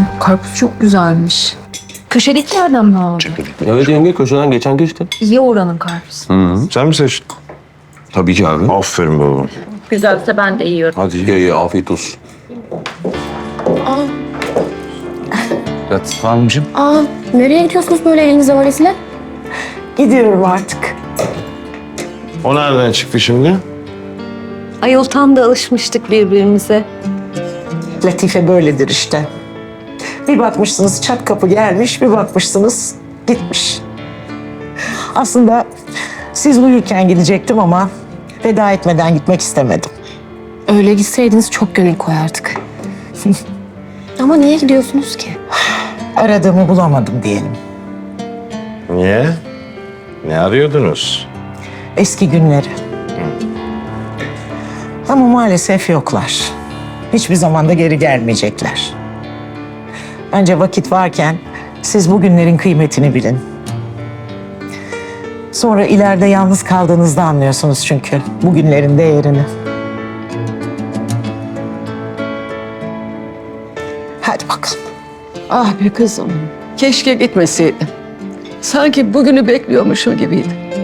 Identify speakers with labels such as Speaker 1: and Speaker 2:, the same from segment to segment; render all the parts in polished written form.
Speaker 1: karpuz çok güzelmiş. Köşedekilerden mi aldın?
Speaker 2: Evet yenge, köşeden geçen geçti.
Speaker 1: İyi oranın karpuzu.
Speaker 3: Sen mi seçtin?
Speaker 2: Tabii ki abi.
Speaker 3: Aferin babam.
Speaker 4: Güzelse ben de yiyorum.
Speaker 2: Hadi ye, afiyet olsun. Latif Hanımcığım.
Speaker 5: Aa, nereye gidiyorsunuz böyle elinizde valizle?
Speaker 6: Gidiyorum artık.
Speaker 3: O nereden çıktı şimdi?
Speaker 4: Ayol tam da alışmıştık birbirimize.
Speaker 6: Latife böyledir işte. Bir bakmışsınız çat kapı gelmiş, bir bakmışsınız gitmiş. Aslında siz uyurken gidecektim ama veda etmeden gitmek istemedim.
Speaker 5: Öyle gitseydiniz çok gönül koyardık. Ama niye gidiyorsunuz ki?
Speaker 6: Aradığımı bulamadım diyelim.
Speaker 3: Niye? Ne arıyordunuz?
Speaker 6: Eski günleri. Ama maalesef yoklar. Hiçbir zaman da geri gelmeyecekler. Bence vakit varken siz bu günlerin kıymetini bilin. Sonra ileride yalnız kaldığınızda anlıyorsunuz çünkü bu günlerin değerini. Hadi bakalım.
Speaker 7: Ah be kızım, keşke gitmeseydin. Sanki bugünü bekliyormuşum gibiydi.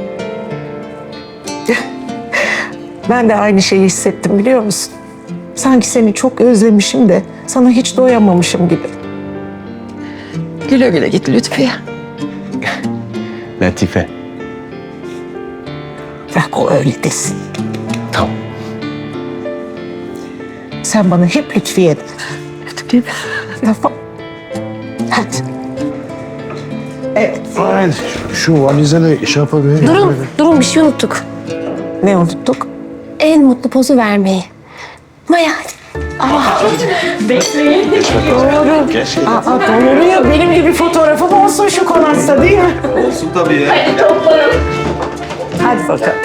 Speaker 6: Ben de aynı şeyi hissettim biliyor musun? Sanki seni çok özlemişim de sana hiç doyamamışım gibi.
Speaker 7: Güle güle git Lütfiye.
Speaker 2: Latife.
Speaker 6: Bırak o öyle desin.
Speaker 2: Tamam.
Speaker 6: Sen bana hep Lütfiye de.
Speaker 7: Lütfiye.
Speaker 6: Tamam. Hadi. Evet.
Speaker 3: Haydi şu valize ne şey yapabilir?
Speaker 5: Durun bir şey unuttuk.
Speaker 6: Ne unuttuk?
Speaker 5: En mutlu pozu vermeyi. Maya hadi.
Speaker 6: Doğru. Doğru ya. Benim gibi fotoğrafım olsun şu konakta değil mi?
Speaker 2: Olsun tabii ya.
Speaker 6: Hadi bakalım.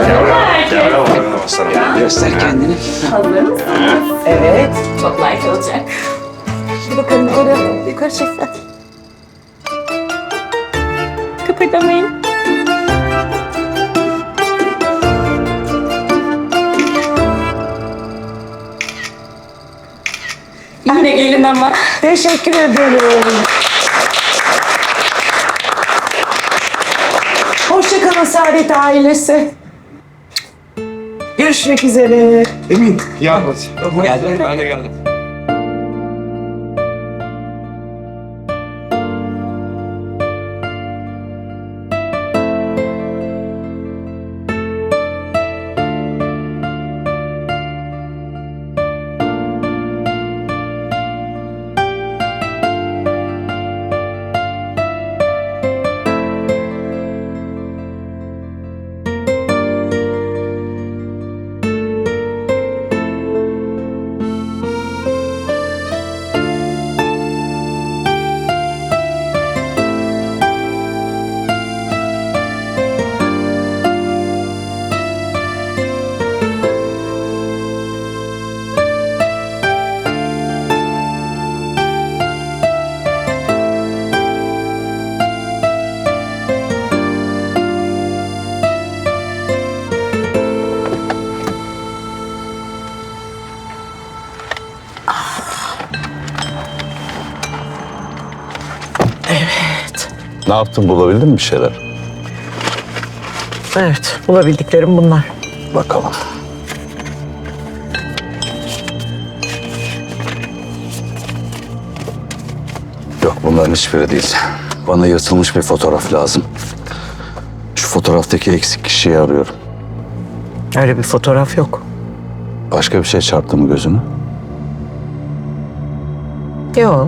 Speaker 2: Göster kendini.
Speaker 6: Evet.
Speaker 4: Çok like olacak.
Speaker 6: Hadi bakalım yukarı çeksen.
Speaker 4: Kıpırdamayın. Yine gelin ama.
Speaker 6: Teşekkür ederim. Hoşça kalın Saadet ailesi. Görüşmek üzere.
Speaker 3: Emin yardım et.
Speaker 2: Geldim, ben de geldim.
Speaker 8: Ne yaptın, bulabildin mi bir şeyler?
Speaker 6: Evet, bulabildiklerim bunlar.
Speaker 8: Bakalım. Yok, bunların hiçbiri değil. Bana yırtılmış bir fotoğraf lazım. Şu fotoğraftaki eksik kişiyi arıyorum.
Speaker 6: Öyle bir fotoğraf yok.
Speaker 8: Başka bir şey çarptı mı gözüne?
Speaker 6: Yok.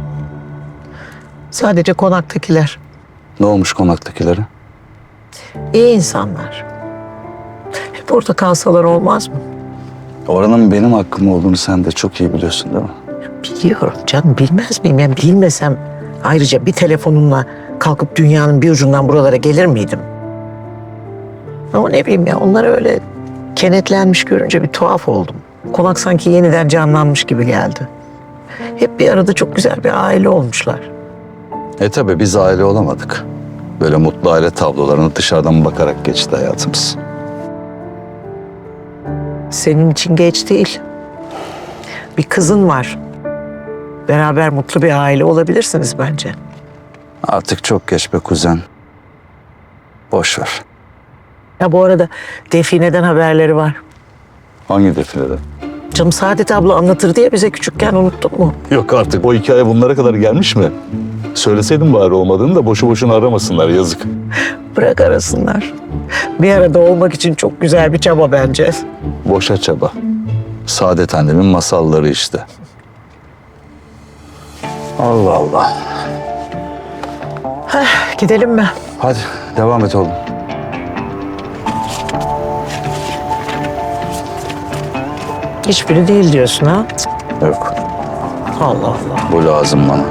Speaker 6: Sadece konaktakiler.
Speaker 8: Ne olmuş konaktakilere?
Speaker 6: İyi insanlar. Hep orada kalsalar olmaz mı?
Speaker 8: Oranın benim hakkım olduğunu sen de çok iyi biliyorsun değil mi?
Speaker 6: Biliyorum canım, bilmez miyim? Yani bilmesem ayrıca bir telefonunla kalkıp dünyanın bir ucundan buralara gelir miydim? Ama ne bileyim ya, onlar öyle kenetlenmiş görünce bir tuhaf oldum. Konak sanki yeniden canlanmış gibi geldi. Hep bir arada çok güzel bir aile olmuşlar.
Speaker 8: Tabii biz aile olamadık. Böyle mutlu aile tablolarını dışarıdan bakarak geçti hayatımız.
Speaker 6: Senin için geç değil. Bir kızın var. Beraber mutlu bir aile olabilirsiniz bence.
Speaker 8: Artık çok geç be kuzen. Boş ver.
Speaker 6: Ya bu arada Define'den haberleri var.
Speaker 8: Hangi defilede?
Speaker 6: Canım Saadet abla anlatır diye bize küçükken unuttun mu?
Speaker 8: Yok artık o hikaye bunlara kadar gelmiş mi? Söyleseydim bari olmadığını da boşu boşuna aramasınlar yazık.
Speaker 6: Bırak arasınlar. Bir arada olmak için çok güzel bir çaba bence.
Speaker 8: Boşa çaba. Saadet annemin masalları işte. Allah Allah.
Speaker 6: Gidelim mi?
Speaker 8: Hadi devam et oğlum.
Speaker 6: Hiçbiri değil diyorsun ha?
Speaker 8: Yok.
Speaker 6: Allah Allah.
Speaker 8: Bu lazım bana.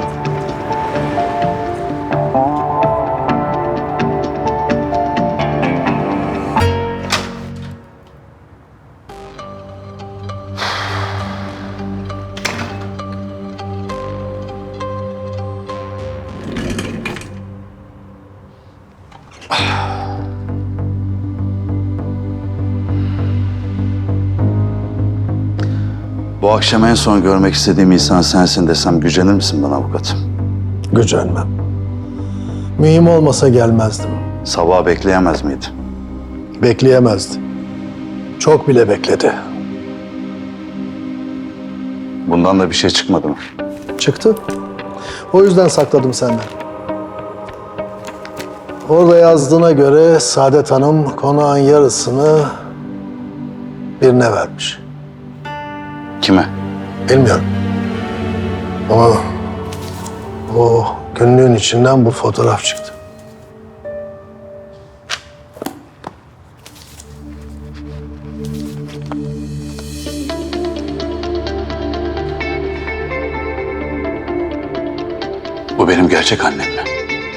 Speaker 8: Bu akşam en son görmek istediğim insan sensin desem gücenir misin bana avukat?
Speaker 9: Gücenmem. Mühim olmasa gelmezdim.
Speaker 8: Sabah bekleyemez miydi?
Speaker 9: Bekleyemezdi. Çok bile bekledi.
Speaker 8: Bundan da bir şey çıkmadı mı?
Speaker 9: Çıktı. O yüzden sakladım senden. Orada yazdığına göre Saadet Hanım konağın yarısını birine vermiş.
Speaker 8: Kime?
Speaker 9: Bilmiyorum. Ama o günlüğün içinden bu fotoğraf çıktı.
Speaker 8: Bu benim gerçek annem mi?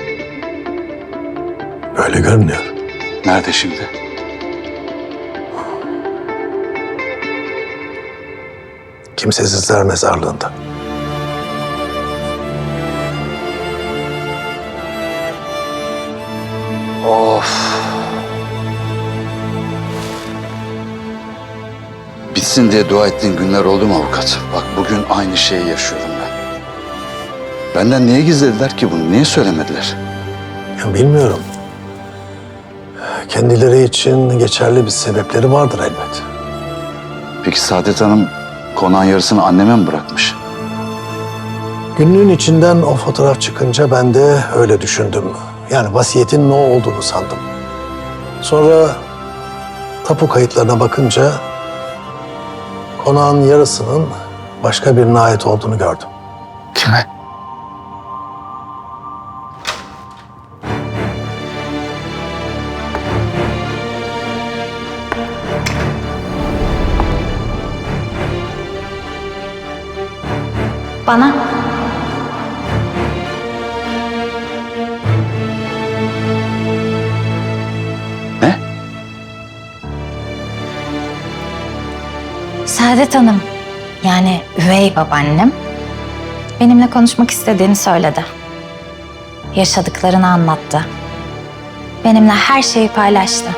Speaker 9: Öyle görünüyor.
Speaker 8: Nerede şimdi?
Speaker 9: Kimsesizler mezarlığında.
Speaker 8: Of. Bitsin diye dua ettiğin günler oldu mu avukat? Bak bugün aynı şeyi yaşıyorum ben. Benden niye gizlediler ki bunu? Niye söylemediler?
Speaker 9: Ya bilmiyorum. Kendileri için geçerli bir sebepleri vardır elbet.
Speaker 8: Peki Saadet Hanım konağın yarısını anneme mi bırakmış?
Speaker 9: Günlüğün içinden o fotoğraf çıkınca ben de öyle düşündüm. Yani vasiyetin ne olduğunu sandım. Sonra tapu kayıtlarına bakınca konağın yarısının başka birine ait olduğunu gördüm.
Speaker 8: Kime?
Speaker 5: Bana.
Speaker 8: Ne?
Speaker 5: Saadet Hanım, yani üvey babaannem, benimle konuşmak istediğini söyledi. Yaşadıklarını anlattı. Benimle her şeyi paylaştı.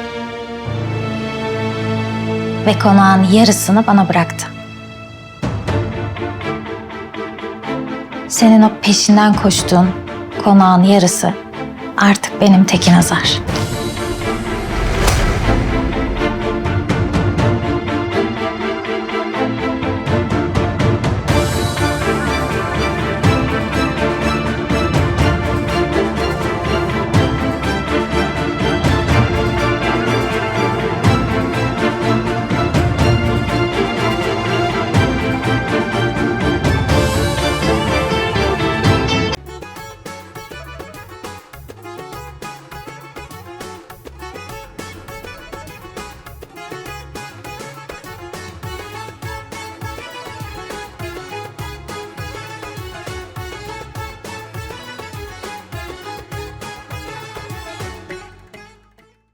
Speaker 5: Ve konağın yarısını bana bıraktı. Senin o peşinden koştuğun konağın yarısı artık benim Tekin Azar.